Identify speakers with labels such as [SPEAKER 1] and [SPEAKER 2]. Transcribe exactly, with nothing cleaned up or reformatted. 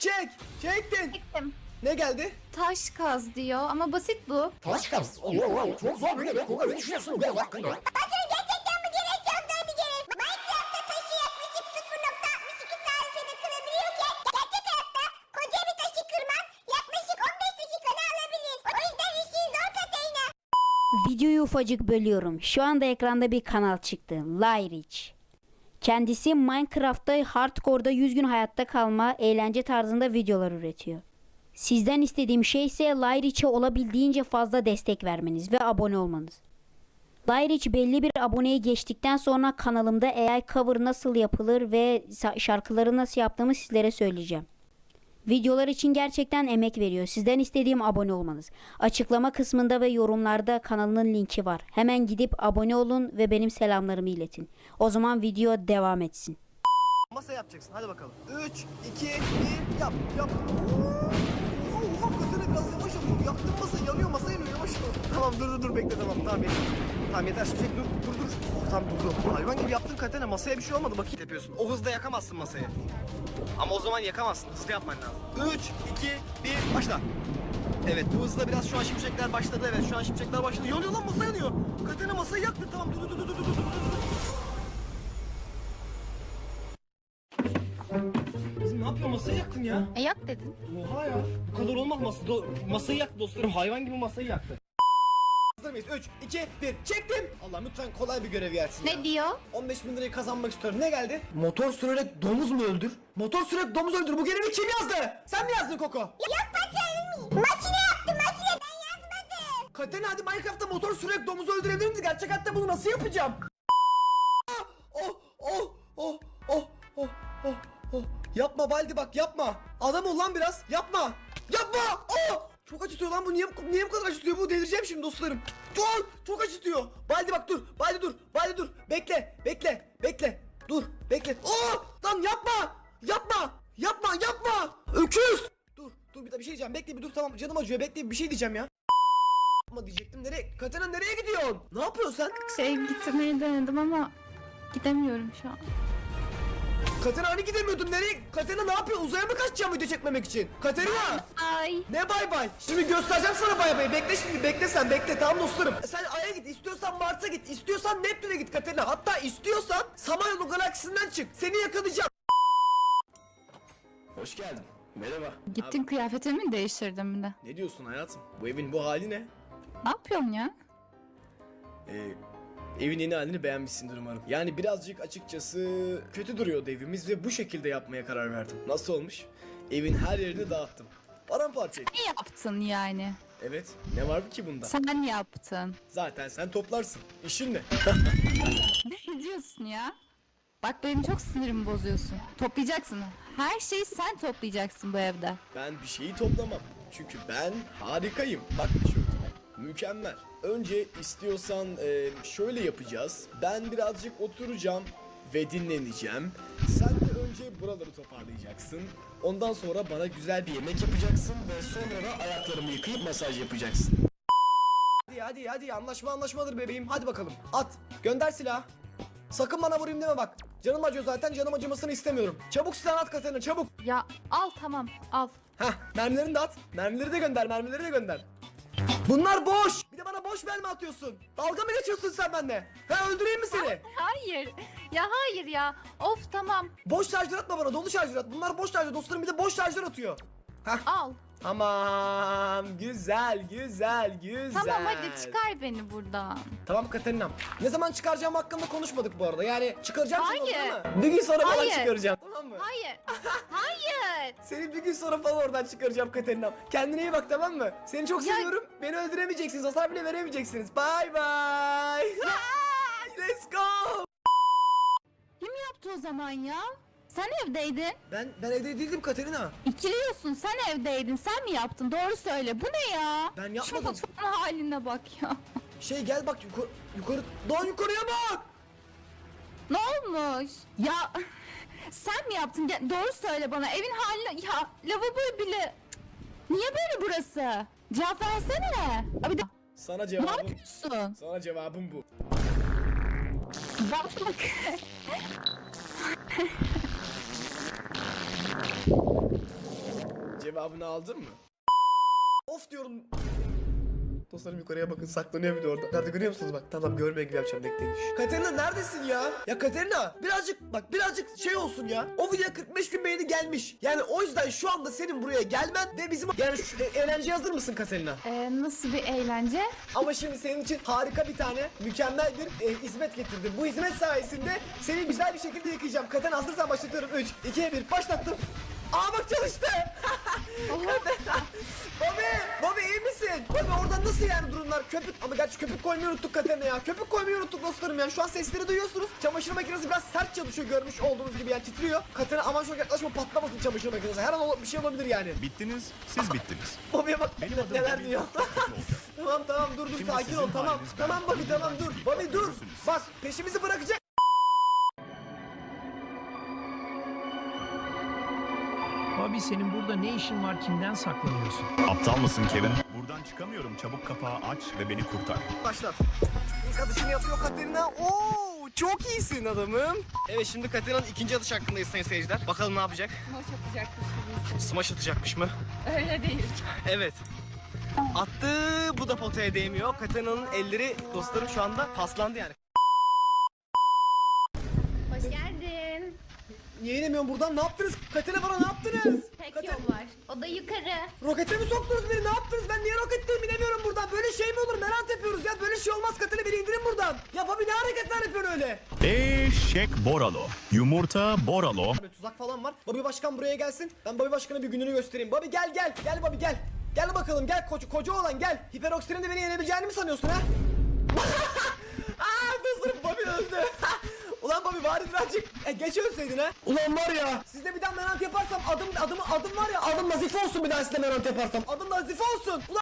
[SPEAKER 1] Çek. Çektin.
[SPEAKER 2] Çektim.
[SPEAKER 1] Ne geldi?
[SPEAKER 2] Taş kaz diyor ama basit bu.
[SPEAKER 3] Taş kaz. Oo, oo, çok zor böyle be. Koga ne düşünüyorsun bu hakkında?
[SPEAKER 4] Bakın gerçekten bu gerek çok zor bir gerek. Minecraft'ta taşı yaklaşık sıfır nokta altmış iki saniyede kırabiliyorken gerçek hayatta koca bir taşı kırmak yaklaşık on beş dakikada alabilir. O yüzden işin zor Katerina.
[SPEAKER 5] Videoyu ufacık bölüyorum. Şu anda ekranda bir kanal çıktı. Lyrich. Kendisi Minecraft'ta hardcore'da yüz gün hayatta kalma, eğlence tarzında videolar üretiyor. Sizden istediğim şey ise Lyrich'e olabildiğince fazla destek vermeniz ve abone olmanız. Lyrich belli bir aboneyi geçtikten sonra kanalımda A I cover nasıl yapılır ve şarkıları nasıl yaptığımı sizlere söyleyeceğim. Videolar için gerçekten emek veriyor. Sizden istediğim abone olmanız. Açıklama kısmında ve yorumlarda kanalının linki var. Hemen gidip abone olun ve benim selamlarımı iletin. O zaman video devam etsin.
[SPEAKER 1] Masa yapacaksın. Hadi bakalım. üç, iki, bir, yap, yap. Oo, hakikaten biraz yavaş yapalım. Yaktın masa, yanıyor masa yanıyor. Yavaş ol. Tamam dur dur dur bekle tamam. Tamam yeter. Tamam yeter. Çek dur dur dur. Oh, tamam durdu. Hayvan gibi yaptın Katene. Masaya bir şey olmadı. Bakayım yapıyorsun. O hızda yakamazsın masayı. Ama o zaman yakamazsın. Hızlı yapman lazım. üç, iki, bir, başla. Evet bu hızla biraz şu an şimşekler başladı. Evet şu an şimşekler başladı. Yanıyor lan masa yanıyor. Katene masayı yaktı. Tamam dur dur dur dur dur dur dur. Kızım ne yapıyorsun? Masayı yaktın ya.
[SPEAKER 2] E yak dedin.
[SPEAKER 1] Oha ya. Bu kadar olmaz masa. Do masayı yaktı dostlarım. Hayvan gibi masayı yaktı. Hazır mıyız? üç, iki, bir. Çektim. Allah'ım lütfen kolay bir görev gelsin ya.
[SPEAKER 2] Ne diyor?
[SPEAKER 1] on beş bin lirayı kazanmak istiyorum. Ne geldi? Motor sürerek domuz mu öldür? Motor sürerek domuz öldür. Bu görevi kim yazdı? Sen mi yazdın Koko?
[SPEAKER 4] Yok patronum. Makine yaptı makine ben yazmadım.
[SPEAKER 1] Katene hadi Minecraft'ta motor sürerek domuz öldürebilir miyiz? Gerçek hayatta bunu nasıl yapacağım? Ah! Oh oh oh oh oh oh oh. Yapma Baldi bak yapma. Adam ol lan biraz. Yapma. Yapma. Oh! Çok acıtıyor lan bu. Niye, niye bu kadar acıtıyor bu? Delireceğim şimdi dostlarım. Dur! Çok acıtıyor. Baldi bak dur. Baldi dur. Baldi dur. Bekle. Bekle. Bekle. Dur. Bekle. Oh! Lan yapma. Yapma. Yapma. Yapma. Öküz. Dur. Dur bir de bir şey diyeceğim. Bekle bir dur tamam. Canım acıyor. Bekle bir şey diyeceğim ya. Yapma diyecektim. Nereye? Katana nereye gidiyorsun? Ne yapıyorsun sen?
[SPEAKER 2] Şey gitmeyi denedim ama gidemiyorum şu an.
[SPEAKER 1] Katana hani gidemiyordun? Nereye? Katana ne yapıyor? Uzaya mı kaçacağım video çekmemek için? Katerina!
[SPEAKER 2] Ay.
[SPEAKER 1] Ne bay bay? Şimdi göstereceğim sana bay bay. Bekle şimdi. Bekle sen. Bekle. Tamam dostlarım. Sen Ay'a git. İstiyorsan Mars'a git. İstiyorsan Neptün'e git Katerina. Hatta istiyorsan Samanyolu galaksisinden çık. Seni yakalayacağım. Hoş geldin. Merhaba.
[SPEAKER 2] Gittin kıyafetimi mi değiştirdin bir de?
[SPEAKER 1] Ne diyorsun hayatım? Bu evin bu hali ne?
[SPEAKER 2] Ne yapıyorsun ya?
[SPEAKER 1] Ee, evin yeni halini beğenmişsindir umarım. Yani birazcık açıkçası kötü duruyordu evimiz ve bu şekilde yapmaya karar verdim. Nasıl olmuş? Evin her yerini dağıttım. Paramparça ettim.
[SPEAKER 2] Ne yaptın yani?
[SPEAKER 1] Evet. Ne var ki bunda?
[SPEAKER 2] Sen yaptın.
[SPEAKER 1] Zaten sen toplarsın. İşin ne?
[SPEAKER 2] Ne diyorsun ya? Bak benim çok sinirimi bozuyorsun. Toplayacaksın. Her şeyi sen toplayacaksın bu evde.
[SPEAKER 1] Ben bir şeyi toplamam. Çünkü ben harikayım. Bak tişörtüme. Mükemmel. Önce istiyorsan e, şöyle yapacağız. Ben birazcık oturacağım ve dinleneceğim. Sen de önce buraları toparlayacaksın. Ondan sonra bana güzel bir yemek yapacaksın ve sonra da ayaklarımı yıkayıp masaj yapacaksın. Hadi hadi hadi anlaşma anlaşmadır bebeğim. Hadi bakalım. At. Gönder silah. Sakın bana vurayım deme bak. Canım acıyor zaten, canım acımasını istemiyorum. Çabuk silahını at Katerina, çabuk.
[SPEAKER 2] Ya al tamam al.
[SPEAKER 1] Heh, mermilerini de at. Mermileri de gönder, mermileri de gönder. Bunlar boş. Bir de bana boş mermi atıyorsun. Dalga mı geçiyorsun sen benimle? Ha öldüreyim mi seni?
[SPEAKER 2] Hayır. Ya hayır ya. Of tamam.
[SPEAKER 1] Boş şarjör atma bana, dolu şarjör at. Bunlar boş şarjör, dostlarım bir de boş şarjör atıyor. Heh.
[SPEAKER 2] Al.
[SPEAKER 1] Tamam, güzel, güzel, güzel.
[SPEAKER 2] Tamam hadi çıkar beni buradan.
[SPEAKER 1] Tamam Katerina'm. Ne zaman çıkaracağım hakkında konuşmadık bu arada. Yani çıkaracağım seni
[SPEAKER 2] Hayır.
[SPEAKER 1] oradan ama bir gün sonra falan
[SPEAKER 2] Hayır.
[SPEAKER 1] çıkaracağım. Tamam mı?
[SPEAKER 2] Hayır. Hayır.
[SPEAKER 1] Seni bir gün sonra falan oradan çıkaracağım Katerina'm. Kendine iyi bak tamam mı? Seni çok
[SPEAKER 2] Ya-
[SPEAKER 1] seviyorum. Beni öldüremeyeceksiniz. Hasar bile veremeyeceksiniz. Bye bye. Let's go.
[SPEAKER 2] Kim yaptı o zaman ya? Sen evdeydin.
[SPEAKER 1] Ben ben evde değildim Katerina.
[SPEAKER 2] İkiliyorsun sen evdeydin. Sen mi yaptın? Doğru söyle. Bu ne ya?
[SPEAKER 1] Ben
[SPEAKER 2] Şu
[SPEAKER 1] yapmadım.
[SPEAKER 2] mutfağın haline bak ya.
[SPEAKER 1] Şey gel bak yukarı yukarı daha yukarıya bak.
[SPEAKER 2] Ne olmuş? Ya sen mi yaptın? Gel- Doğru söyle bana. Evin haline... Ya lavabo bile... Niye böyle burası? Cevap versene. Abi de...
[SPEAKER 1] Sana
[SPEAKER 2] Ne
[SPEAKER 1] cevabım.
[SPEAKER 2] yapıyorsun?
[SPEAKER 1] Sana cevabım bu.
[SPEAKER 2] Bak bak.
[SPEAKER 1] Cevabını aldın mı? Of diyorum. Dostlarım yukarıya bakın, saklanıyor bir de orada. Nerede görüyor musunuz bak? Tamam, görmeye gibi yapacağım, bekleyin. Katerina neredesin ya? Ya Katerina birazcık bak, birazcık şey olsun ya. O videoya kırk beş bin beğeni gelmiş. Yani o yüzden şu anda senin buraya gelmen ve bizim yani şu e, eğlenceye hazır mısın Katerina?
[SPEAKER 2] Ee, nasıl bir eğlence?
[SPEAKER 1] Ama şimdi senin için harika bir tane mükemmel bir e, hizmet getirdim. Bu hizmet sayesinde seni güzel bir şekilde yıkayacağım. Katerina hazırsan başlatıyorum. üç, iki, bir başlattım. Aa bak çalıştı. Bobby, Bobby iyi misin? Bobby oradan nasıl yani durumlar? Köpük, ama gerçi köpük koymayı unuttuk Katerina ya. Köpük koymayı unuttuk dostlarım yani. Şu an sesleri duyuyorsunuz. Çamaşır makinesi biraz sert çalışıyor, görmüş olduğunuz gibi yani, titriyor. Katerina aman çok yaklaşma, patlamasın çamaşır makinesi. Her an ol- bir şey olabilir yani.
[SPEAKER 6] Bittiniz, siz bittiniz.
[SPEAKER 1] Bobby'ye bak
[SPEAKER 6] Benim adım
[SPEAKER 1] neler
[SPEAKER 6] Bobby,
[SPEAKER 1] diyor.
[SPEAKER 6] kötü olacak.
[SPEAKER 1] Tamam tamam dur dur
[SPEAKER 6] Şimdi
[SPEAKER 1] sakin
[SPEAKER 6] sizin
[SPEAKER 1] ol, tamam.
[SPEAKER 6] haliniz ben.
[SPEAKER 1] Tamam Bobby tamam dur.
[SPEAKER 6] Bugün
[SPEAKER 1] Bobby dur.
[SPEAKER 6] görürsünüz.
[SPEAKER 1] Bak peşimizi bırakacak.
[SPEAKER 7] Abi senin burada ne işin var, kimden saklanıyorsun?
[SPEAKER 6] Aptal mısın Kevin? Buradan çıkamıyorum. Çabuk kapağı aç ve beni kurtar.
[SPEAKER 1] Başlat. İlk atışını yapıyor Katerina. Oo, çok iyisin adamım. Evet, şimdi Katerina'nın ikinci atış hakkındayız sayın seyirciler. Bakalım ne yapacak?
[SPEAKER 2] Smash atacakmış gibi.
[SPEAKER 1] Smash atacakmış mı?
[SPEAKER 2] Öyle değil.
[SPEAKER 1] Evet. Attı, bu da potaya değmiyor. Katerina'nın elleri dostlarım şu anda paslandı yani.
[SPEAKER 2] Hoş geldin.
[SPEAKER 1] Niye inemiyorum buradan? Ne yaptınız? Katerina bana ne yaptınız?
[SPEAKER 2] Tek
[SPEAKER 1] Kater-
[SPEAKER 2] yol var. O da yukarı.
[SPEAKER 1] Rokete mi soktunuz beni? Ne yaptınız? Ben niye roketteyim? İnemiyorum buradan. Böyle şey mi olur? Merak yapıyoruz ya. Böyle şey olmaz. Katerina beni indirin buradan. Ya Bobby ne hareketler yapıyorsun öyle?
[SPEAKER 6] Eşek Boralo. Yumurta Boralo.
[SPEAKER 1] Böyle tuzak falan var. Bobby Başkan buraya gelsin. Ben Bobby Başkan'a bir gününü göstereyim. Bobby gel gel. Gel Bobby gel. Gel bakalım gel koca, koca olan gel. Hiperoksirin de beni yenebileceğini mi sanıyorsun ha? Aaa dostlarım Bobby öldü. Ulan Bobby bari birazcık e, geç ölseydin ha. Ulan var ya. Sizde bir daha menant yaparsam adım adım adım var ya, adım Nazife olsun bir daha sizde menant yaparsam. Adım Nazife olsun. Ulan